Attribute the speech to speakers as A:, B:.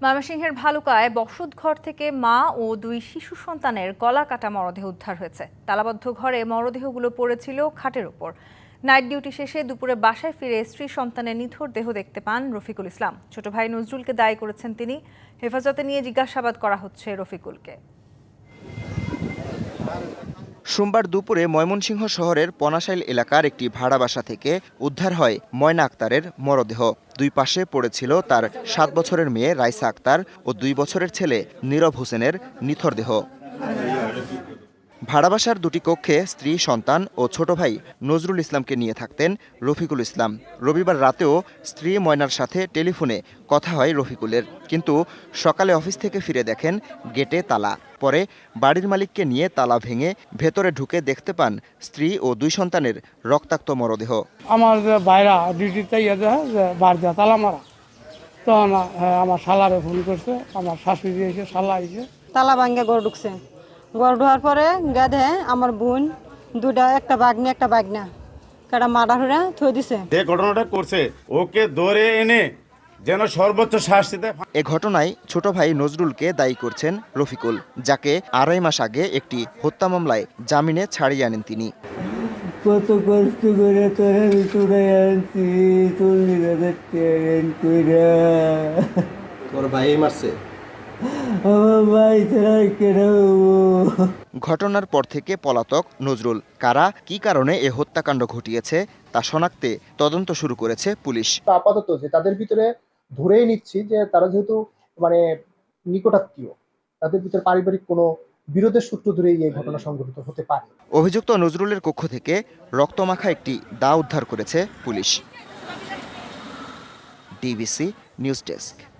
A: ময়মনসিংহের ভালুকায় বসতঘর থেকে মা ও দুই শিশু সন্তানের গলা কাটা মরদেহ উদ্ধার হয়েছে। তালাবদ্ধ ঘরে মরদেহগুলো পড়েছিল খাটের উপর। নাইট ডিউটি শেষে দুপুরে বাসায় ফিরে স্ত্রী সন্তানের নিথর দেহ দেখতে পান রফিকুল ইসলাম। ছোট ভাই নজরুলকে দায়ী করেছেন তিনি। হেফাজতে নিয়ে জিজ্ঞাসাবাদ করা হচ্ছে রফিকুলকে।
B: সোমবার দুপুরে ময়মনসিংহ শহরের পনাশাইল এলাকার একটি ভাড়া বাসা থেকে উদ্ধার হয় ময়না আক্তারের মরদেহ। দুই পাশে পড়েছিল তার 7 বছরের মেয়ে রাইসা আক্তার ও 2 বছরের ছেলে নীরব হোসেনের নিথর দেহ। ভাড়াবাসার দুটি কক্ষে স্ত্রী, সন্তান ও ছোট ভাই নজরুল ইসলামকে নিয়ে থাকতেন রফিকুল ইসলাম। রবিবার রাতেও স্ত্রী ময়নার সাথে টেলিফোনে কথা হয় রফিকুলের, কিন্তু সকালে অফিস থেকে ফিরে দেখেন গেটে তালা। পরে বাড়ির মালিককে নিয়ে তালা ভেঙে ভেতরে ঢুকে দেখতে পান স্ত্রী ও 2 সন্তানের রক্তাক্ত মরদেহ।
C: আমার ভাইরা ডিউটিতে বাড়ি তালা মারা, তখন আমার শালারে ফোন করছে, আমার শাশুড়ি এসে শালা এসে
D: তালা ভাঙ্গে গড় ঢুকছে। গড় ঢোয়ার পরে গাধে আমার বোন দুটা, একটা বাগনি একটা বাগনা কাটা মারা হয়ে থই দিছে।
E: যে ঘটনাটা করছে ওকে ধরে এনে যেন সর্বোচ্চ শাস্তি দেয়।
B: এ ঘটনায় ছোট ভাই নজরুলকে দায়ী করছেন রফিকুল, যাকে 2.5 মাস আগে একটি হত্যা মামলায় জামিনে ছাড়িয়ে আনেন তিনি।
F: কত কষ্ট করে তোরা ভিতরে আনছি,
G: তোর ভাই মারছে?
F: আমার ভাই ছাড়া কেন?
B: ঘটনার পর থেকে পলাতক নজরুল। কারা কি কারণে এ হত্যাকাণ্ড ঘটিয়েছে তা শনাক্তে তদন্ত শুরু করেছে পুলিশ।
H: আপাতত যে তাদের ভিতরে ধরেই নিচ্ছি যে তারা যেহেতু নিকটাত্মীয়, তাদের ভিতরে পারিবারিক কোনো বিরোধের সূত্র ধরেই এই ঘটনা সংঘটিত হতে পারে।
B: অভিযুক্ত নজরুলের কক্ষ থেকে রক্তমাখা একটি দা উদ্ধার করেছে পুলিশ। DBC news desk.